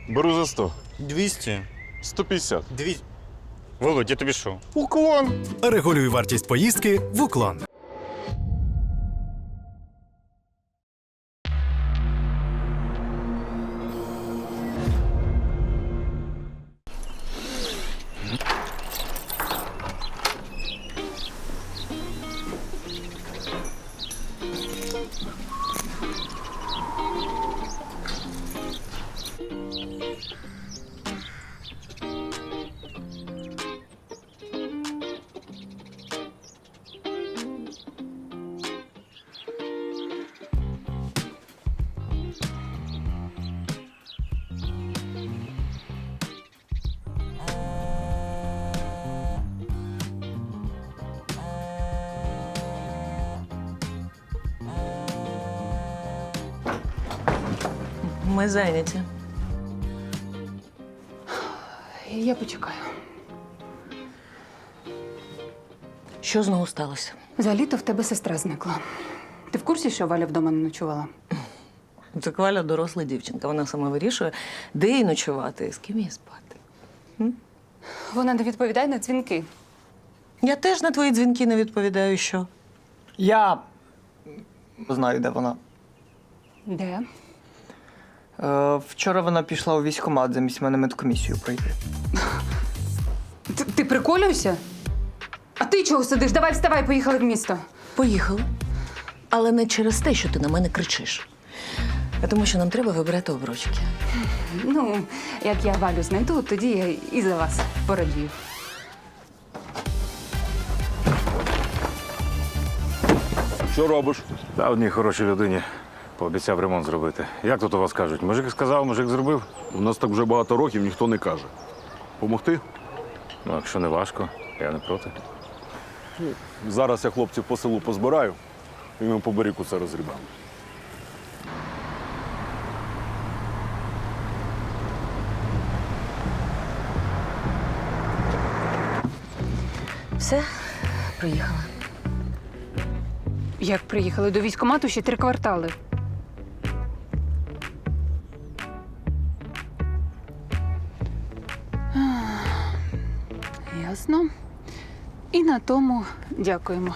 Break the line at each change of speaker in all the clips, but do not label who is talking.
Беру за 100.
200.
150.
200. Володь, я тобі що?
Уклон.
Регулюй вартість поїздки в Уклон.
Ми зайняті.
Я почекаю.
Що знову сталося?
За літо в тебе сестра зникла. Ти в курсі, що Валя вдома не ночувала?
Це Валя доросла дівчинка. Вона сама вирішує, де їй ночувати і з ким їй спати.
Вона не відповідає на дзвінки.
Я теж на твої дзвінки не відповідаю, що?
Я знаю, де вона.
Де?
Вчора вона пішла у військкомат замість мене медкомісію пройти.
Ти приколюєшся? А ти чого сидиш? Давай вставай, поїхали в місто.
Поїхали. Але не через те, що ти на мене кричиш. А тому, що нам треба вибирати обручки.
Ну, як я Валю знайду, тоді я і за вас порадію.
Що робиш?
Та одній хорошій людині пообіцяв ремонт зробити. Як тут у вас кажуть? Мужик сказав, мужик зробив?
У нас так вже багато років ніхто не каже. Помогти?
Ну, якщо не важко, я не проти.
Зараз я хлопців по селу позбираю, і ми по берегу це розгрібаємо.
Все, приїхала.
Як приїхали до військкомату, ще 3 квартали. Ясно. І на тому дякуємо.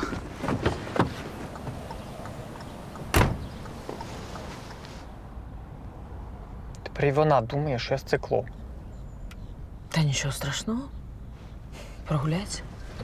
Тепер і вона думає, що я з цикло.
Та нічого страшного. Прогуляйся.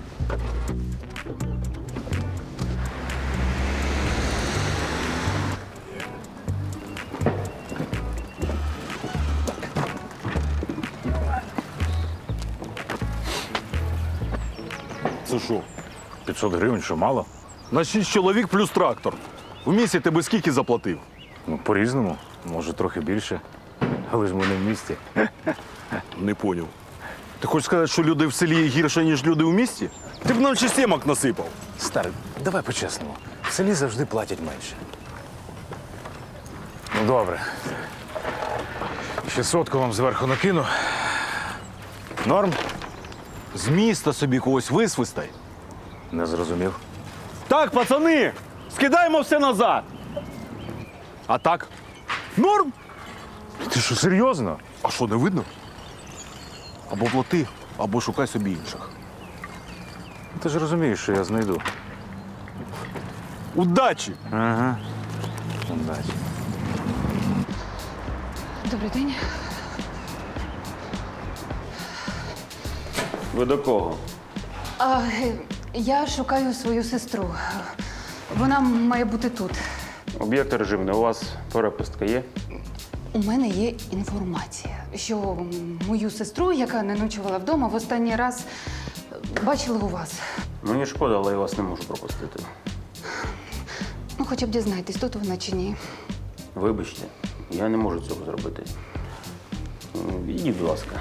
Це що?
500 гривень, що мало?
На 6 чоловік плюс трактор. В місті ти би скільки заплатив?
Ну, по-різному. Може, трохи більше. Але ж ми не в місті.
Не поняв. Ти хочеш сказати, що люди в селі гірше, ніж люди в місті? Ти б нам ще сімок насипав.
Старий, давай по-чесному. В селі завжди платять менше. Ну, добре. Ще 100 вам зверху накину. Норм?
З міста собі когось висвистай.
Не зрозумів.
Так, пацани, скидаємо все назад. А так? Норм?
Ти що, серйозно?
А що, не видно? Або плати, або шукай собі інших.
Ти ж розумієш, що я знайду.
Удачі!
Ага. Удачі.
Добрий день.
Ви до кого?
Я шукаю свою сестру. Вона має бути тут.
Об'єкт режимний. У вас перепустка є?
У мене є інформація, що мою сестру, яка не ночувала вдома, в останній раз бачили у вас.
Мені шкода, але я вас не можу пропустити.
Ну, хоча б дізнайтесь, тут вона чи ні.
Вибачте, я не можу цього зробити. Ідіть, будь ласка.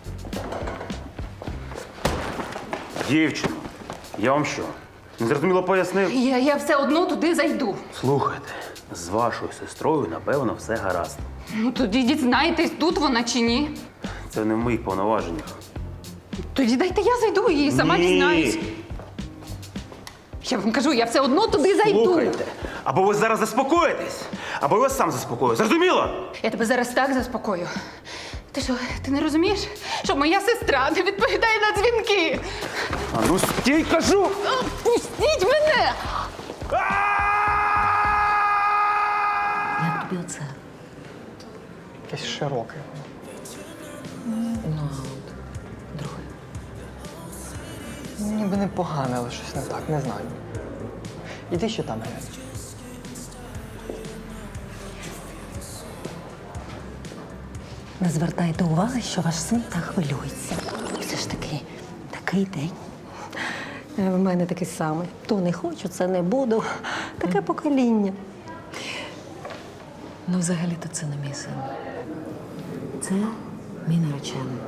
Дівчино, я вам що? Незрозуміло пояснив?
Я все одно туди зайду.
Слухайте, з вашою сестрою, напевно, все гаразд.
Ну, тоді дізнайтесь, тут вона чи ні.
Це не в моїх повноваженнях.
Тоді дайте я зайду і сама
Ні.
дізнаюсь. Я вам кажу, я все одно туди зайду.
Слухайте, або ви зараз заспокоїтесь, або я вас сам заспокою. Зрозуміло?
Я тебе зараз так заспокою. Ти не розумієш, що моя сестра не відповідає на дзвінки?
А ну стій, кажу!
Пустіть мене!
Як тобі оце?
Якесь широке.
Ну, друге.
Ніби непогане, але щось не так, не знаю. Іди ще там глянь.
Не звертайте уваги, що ваш син так хвилюється. Все ж таки, такий день. В мене такий самий. То не хочу, це не буду. Таке покоління.
Ну, взагалі-то це не мій син. Це мій наречений.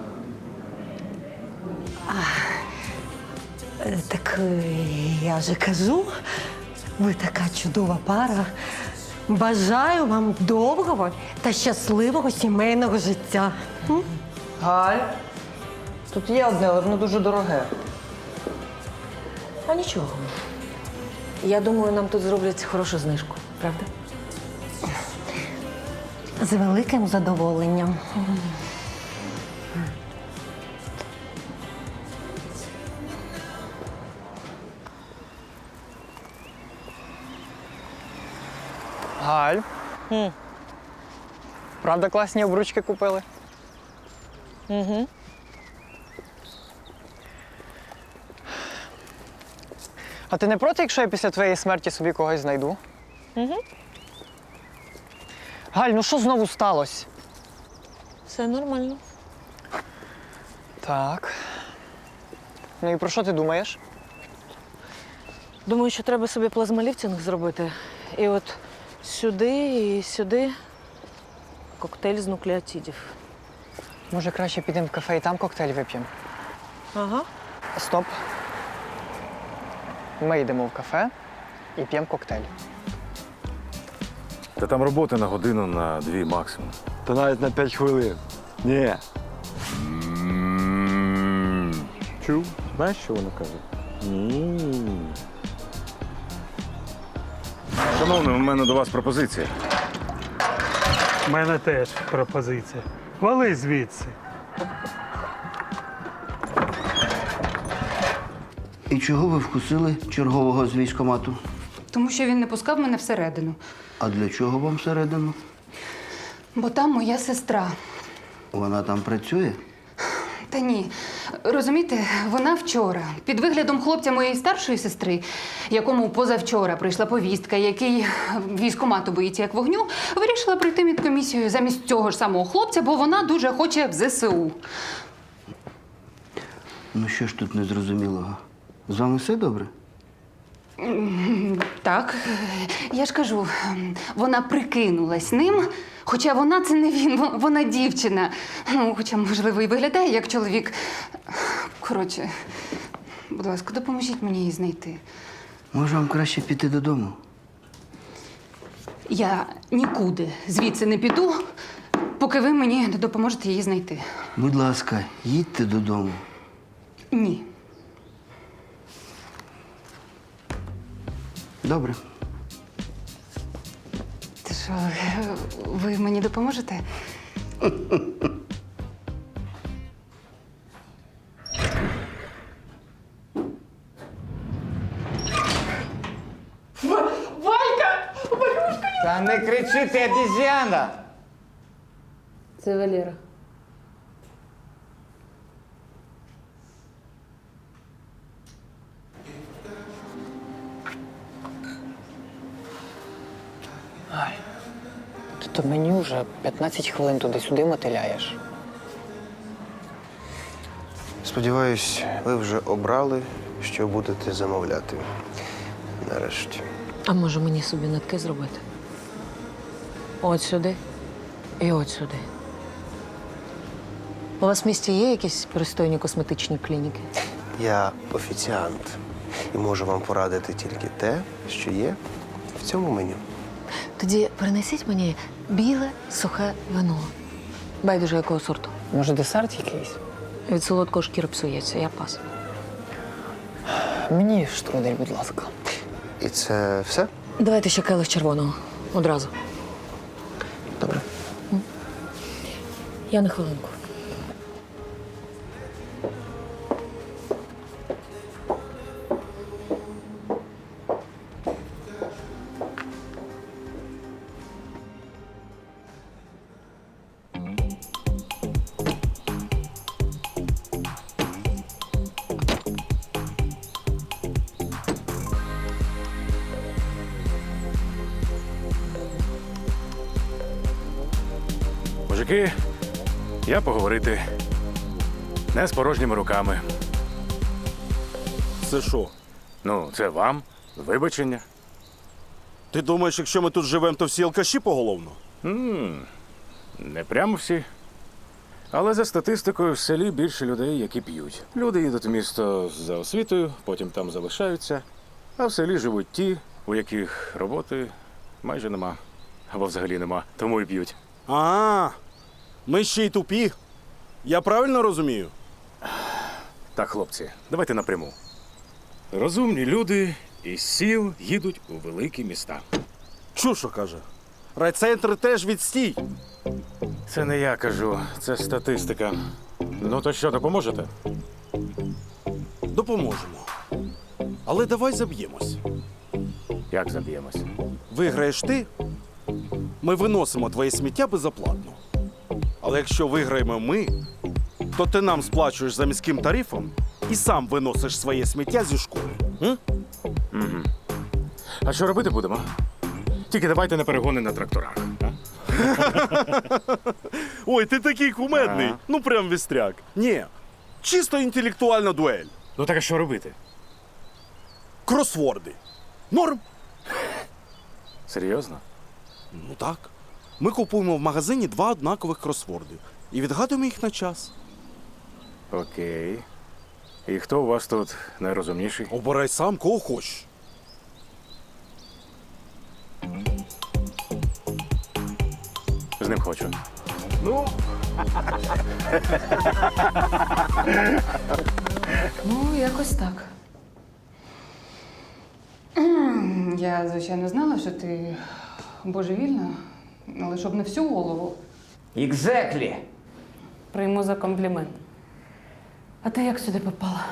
Так я же кажу, ви така чудова пара. Бажаю вам довгого та щасливого сімейного життя.
Галь, тут є одне, але воно дуже дороге.
А нічого. Я думаю, нам тут зроблять хорошу знижку, правда?
З великим задоволенням.
Галь. Правда, класні обручки купили? А ти не проти, якщо я після твоєї смерті собі когось знайду? Галь, ну що знову сталося?
Все нормально.
Так. Ну і про що ти думаєш?
Думаю, що треба собі плазмоліфтинг зробити. І от сюди і сюди коктейль з нуклеотидів.
Може, краще підемо в кафе і там коктейль вип'ємо?
Ага.
Стоп. Ми йдемо в кафе і п'ємо коктейль.
Та там роботи на годину, на 2 максимум.
Та навіть на 5 хвилин. Ні. Чув? Знаєш, що вона каже?
Шановний, у мене до вас пропозиція.
У мене теж пропозиція. Вали звідси.
І чого ви вкусили чергового з військкомату?
Тому що він не пускав мене всередину.
А для чого вам всередину?
Бо там моя сестра.
Вона там працює?
Та ні. Розумієте, вона вчора, під виглядом хлопця моєї старшої сестри, якому позавчора прийшла повістка, який військкомату боїться як вогню, вирішила прийти медкомісію замість цього ж самого хлопця, бо вона дуже хоче в ЗСУ.
Ну що ж тут незрозумілого? З вами все добре?
Так, я ж кажу, вона прикинулась ним, хоча вона це не він, вона дівчина. Ну, хоча, можливо, і виглядає як чоловік. Коротше, будь ласка, допоможіть мені її знайти.
Може, вам краще піти додому?
Я нікуди звідси не піду, поки ви мені не допоможете її знайти.
Будь ласка, їдьте додому.
Ні.
Добре.
Ти що, ви мені допоможете?
Та не кричи, ти обіз'яна!
Це Валера.
Ти то мені вже 15 хвилин туди-сюди мотиляєш.
Сподіваюсь, ви вже обрали, що будете замовляти. Нарешті.
А може мені собі нитки зробити? От сюди і от сюди. У вас в місті є якісь пристойні косметичні клініки?
Я офіціант і можу вам порадити тільки те, що є в цьому меню.
Тоді принесіть мені біле сухе вино. Байдуже якого сорту.
Може, десерт якийсь?
Від солодкого шкіра псується, я пас.
Мені штрудель, будь ласка.
І це все?
Давайте ще келих червоного. Одразу.
Добре.
Я на хвилинку.
Мужики, я поговорити. Не з порожніми руками.
Це що?
Ну, це вам. Вибачення.
Ти думаєш, якщо ми тут живемо, то всі алкаші поголовно?
Не прямо всі. Але за статистикою в селі більше людей, які п'ють. Люди їдуть в місто за освітою, потім там залишаються. А в селі живуть ті, у яких роботи майже нема. Або взагалі нема, тому і п'ють.
Ми ще й тупі. Я правильно розумію?
Так, хлопці, давайте напряму. Розумні люди із сіл їдуть у великі міста.
Чушо каже. Райцентр теж відстій.
Це не я кажу, це статистика. Ну то що, допоможете?
Допоможемо. Але давай заб'ємось.
Як заб'ємось?
Виграєш ти, ми виносимо твоє сміття безоплатно. Але якщо виграємо ми, то ти нам сплачуєш за міським тарифом і сам виносиш своє сміття зі школи.
А що робити будемо? Тільки давайте не перегони на тракторах. А?
Ой, ти такий кумедний.
Ага.
Ну прям вістряк. Ні, чисто інтелектуальна дуель.
Ну так а що робити?
Кросворди. Норм?
Серйозно?
Ну так. Ми купуємо в магазині 2 однакових кросворди і відгадуємо їх на час.
Окей. І хто у вас тут найрозумніший?
Обирай сам, кого хочеш.
З ним хочу.
Ну, якось так. Я, звичайно, знала, що ти божевільна, але щоб не всю голову.
Exactly.
Прийму за комплімент. А ти як сюди попала?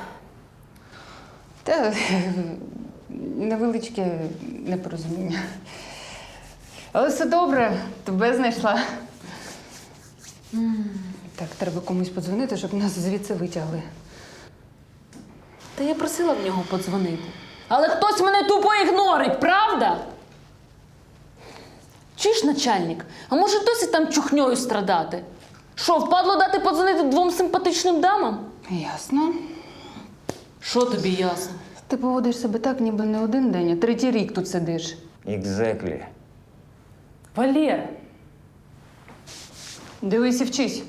Та невеличке непорозуміння. Але все добре, тебе знайшла. Так, треба комусь подзвонити, щоб нас звідси витягли.
Та я просила в нього подзвонити. Але хтось мене тупо ігнорить, правда? Чуєш, начальник, а може досі там чухньою страдати? Що, впадло дати подзвонити 2 симпатичним дамам?
Ясно.
Що тобі ясно?
Ти поводиш себе так, ніби не 1 день, а 3-й рік тут сидиш.
Exactly.
Валєр,
Дивись і вчись.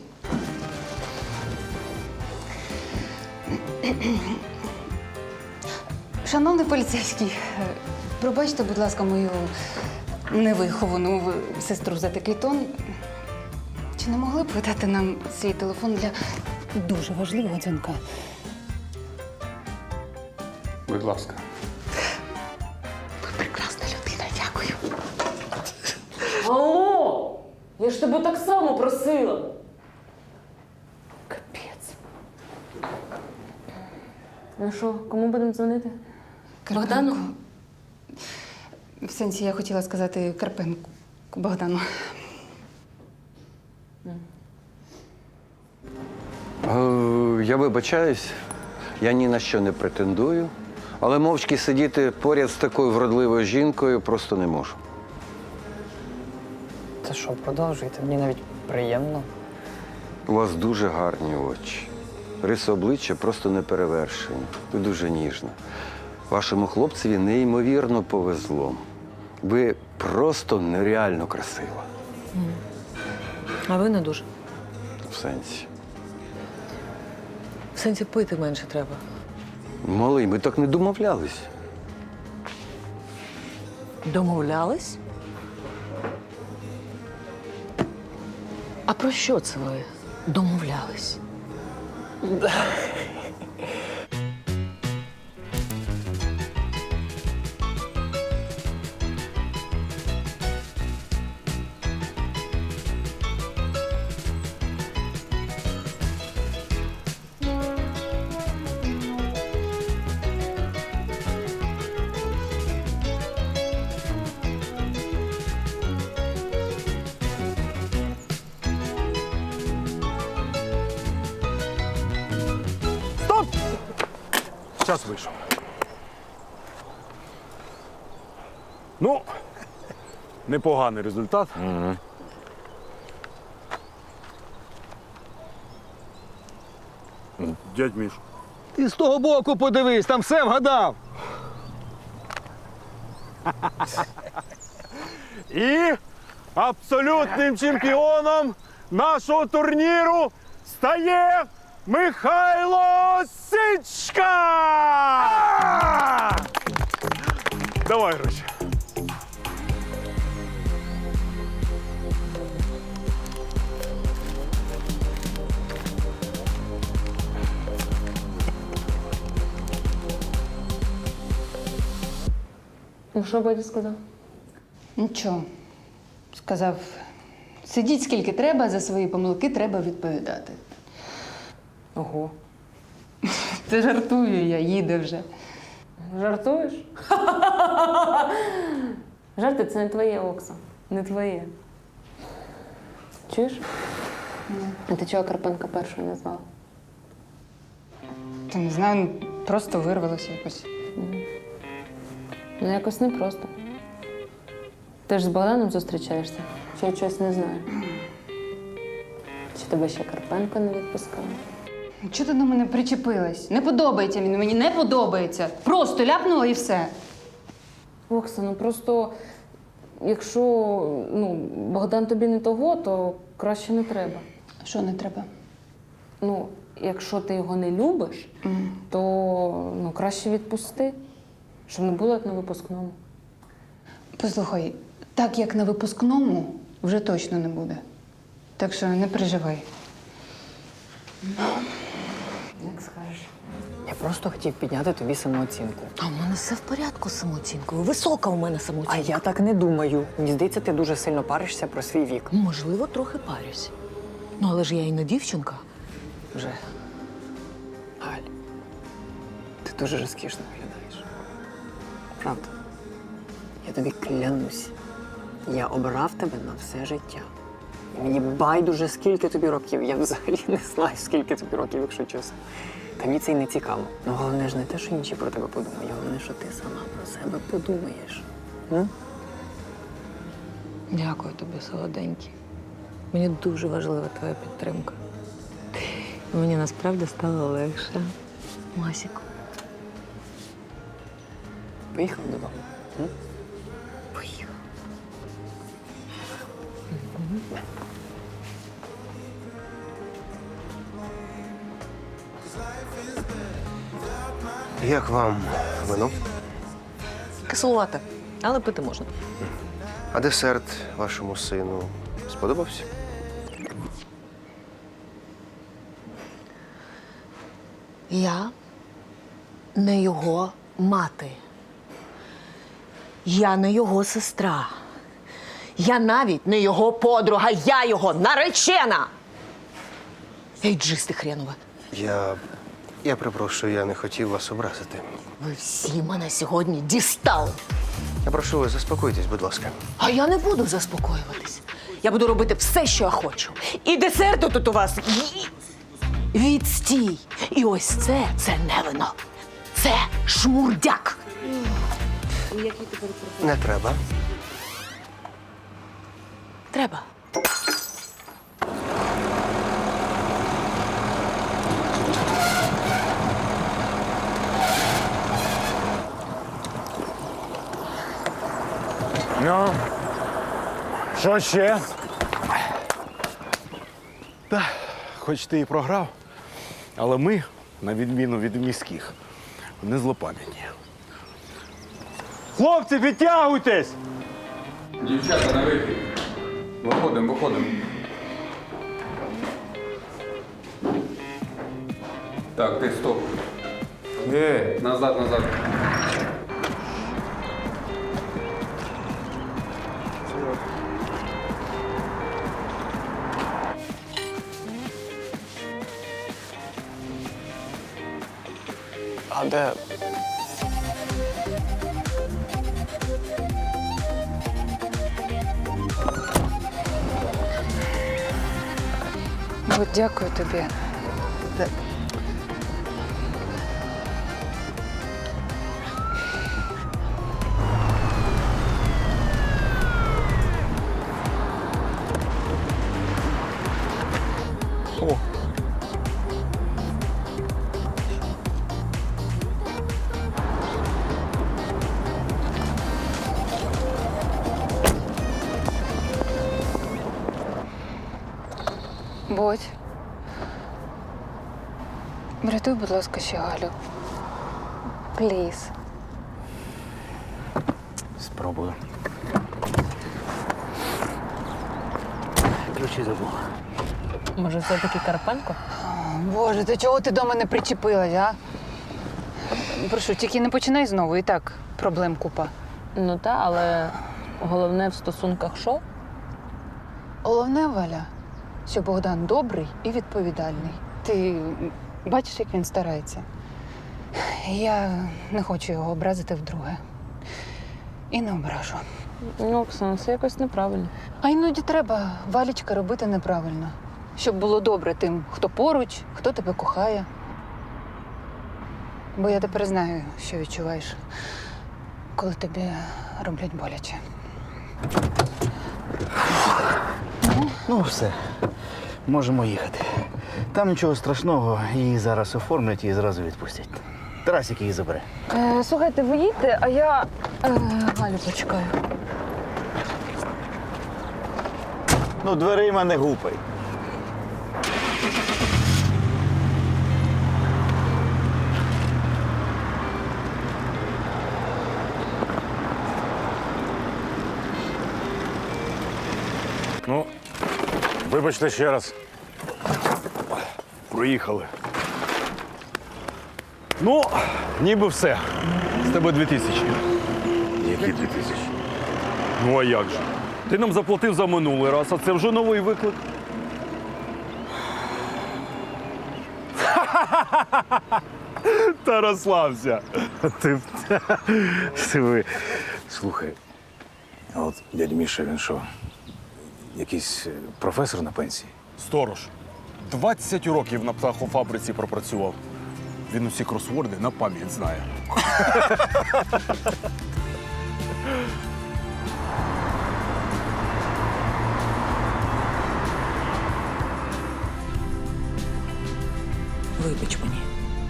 Шановний поліцейський, пробачте, будь ласка, мою невиховану сестру за такий тон. Чи не могли б ви дати нам свій телефон для дуже важливого дзвінка?
Будь ласка.
Ви прекрасна людина, дякую.
алло! Я ж тебе так само просила. Капець. Ну що, кому будемо дзвонити? Богдану?
В сенсі, я хотіла сказати Карпенку Богдану.
Я вибачаюсь, я ні на що не претендую, але мовчки сидіти поряд з такою вродливою жінкою просто не можу.
Це що, продовжуйте? Мені навіть приємно.
У вас дуже гарні очі. Риси обличчя просто неперевершені. Ви дуже ніжна. Вашому хлопцеві неймовірно повезло. Ви просто нереально красива.
А ви не дуже.
В сенсі.
В сенсі пити менше треба.
Малий, ми так не домовлялись.
Домовлялись? А про що це ви домовлялись?
Час вийшов. Ну, непоганий результат. Дядь Міш.
Ти з того боку подивись, там все вгадав.
І абсолютним чемпіоном нашого турніру стає Михайло Сичка! Давай гроші.
Ну, що батя сказав?
Нічого. Сказав, сидіть скільки треба, за свої помилки треба відповідати.
Ого.
Ти жартую, я їде вже.
Жартуєш? Жарти це не твоє, Окса. Не твоє. Чуєш? А ти чого Карпенка першою не звала?
Та не знаю, просто вирвалося якось.
Ну, якось непросто. Ти ж з Богданом зустрічаєшся? Чи я чогось не знаю? Чи тебе ще Карпенко не відпускав?
Чого ти до мене причепилась? Не подобається він мені, не подобається. Просто ляпнула і все.
Окса, ну просто якщо Богдан тобі не того, то краще не треба.
Що не треба?
Ну, якщо ти його не любиш, то краще відпусти, щоб не було як на випускному.
Послухай, так як на випускному вже точно не буде. Так що не переживай.
Як скажеш.
Я просто хотів підняти тобі самооцінку.
А в мене все в порядку з самооцінкою. Висока у мене
А
самооцінка.
я так не думаю. Мені здається, ти дуже сильно паришся про свій вік.
Можливо, трохи парюсь. Ну, але ж я і не дівчинка.
Вже. Галь, ти дуже розкішно виглядаєш. Правда. Я тобі клянусь. Я обрав тебе на все життя. І мені байдуже, скільки тобі років. Я взагалі не знаю, скільки тобі років, якщо чесно. Та мені це й не цікаво. Ну, головне ж не те, що інші про тебе подумають, головне, що ти сама про себе подумаєш.
Дякую тобі, солоденький. Мені дуже важлива твоя підтримка. Мені насправді стало легше. Масіку.
Поїхав додому.
Поїхав.
Як вам вино?
Кислувате, але пити можна.
А десерт вашому сину сподобався?
Я не його мати. Я не його сестра. Я навіть не його подруга, я його наречена! Ейджисти хренове.
Я припрошую, я не хотів вас образити.
Ви всі мене сьогодні дістали.
Я прошу вас, заспокойтесь, будь ласка.
А я не буду заспокоюватись. Я буду робити все, що я хочу. І десерту тут у вас відстій. І ось це не вино. Це шмурдяк.
Не треба.
Треба.
Ну, що ще? Та, хоч ти і програв, але ми, на відміну від міських, не злопам'ятні. Хлопці, підтягуйтесь!
Дівчата, на вихід. Виходимо. Так, ти стоп. Назад.
А де?
От дякую тобі. Бодь. Врятуй, будь ласка, ще Галю. Пліз.
Спробую. Ключі забув.
Може, все-таки Карпенко?
Боже, ти чого ти до мене причепилась, а? Прошу, тільки не починай знову, і так проблем купа.
Ну та, але головне в стосунках що?
Головне, Валя, що Богдан добрий і відповідальний. Ти бачиш, як він старається. Я не хочу його образити вдруге. І не ображу.
Ну, Оксана, це якось неправильно.
А іноді треба, Валічка, робити неправильно. Щоб було добре тим, хто поруч, хто тебе кохає. Бо я тепер знаю, що відчуваєш, коли тобі роблять боляче.
Ну, все. Можемо їхати. Там нічого страшного, її зараз оформлять і зразу відпустять. Тарасик її забере.
Слухайте, ви їдьте, а я Галю почекаю.
Ну, дверима не гупай.
Ну, вибачте ще раз.
Проїхали. Ну, ніби все. З тебе 2000.
Які 2000?
Ну а як же? Ти нам заплатив за минулий раз, а це вже новий виклик. Та розслабся.
Ви. Слухай, а от дядь Міша, він що? Якийсь професор на пенсії?
Сторож. 20 років на птахофабриці пропрацював. Він усі кросворди на пам'ять знає.
Вибач мені.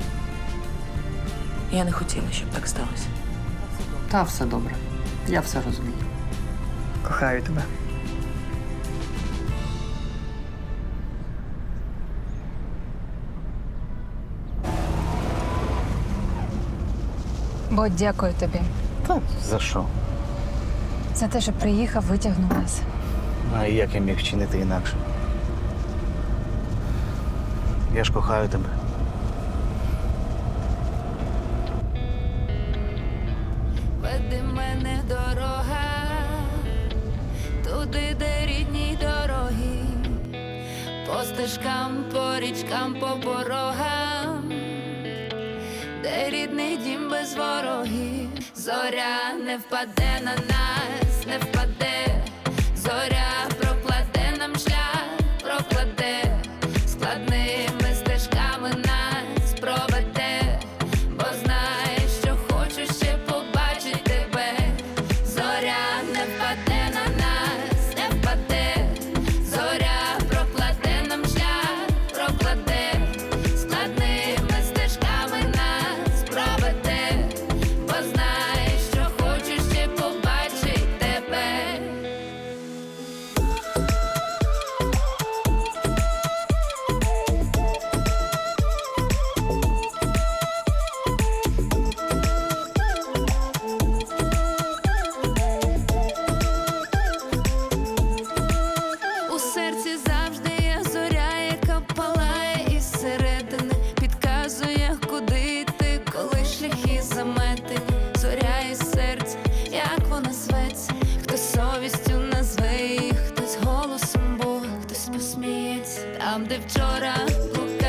Я не хотіла, щоб так сталося.
Та все добре. Я все розумію. Кохаю тебе.
Бо дякую тобі
Та за що?
за те, що приїхав, витягнув нас.
А як я міг вчинити інакше? Я ж кохаю тебе.
Веди мене дорога, туди, де рідні дороги, по стежкам, по річкам, по порогам, де рідний дім без ворогів. Зоря не впаде на нас, не впаде, зоря прокладе нам шлях, прокладе, складними стежками нас проведе, бо знає, що хочу ще побачить тебе. Зоря не впаде на нас, не впаде, зоря прокладе нам шлях, прокладе, складними стежками нас проведе, бо знає, що хочу ще побачить тебе. У серці завжди є зоря, яка палає із середини, підказує, куди йти, коли шляхи заметені. Зоря із серця, як вона зветься, хтось совістю назве її, хтось голосом Бога, хтось посміється. Там, де вчора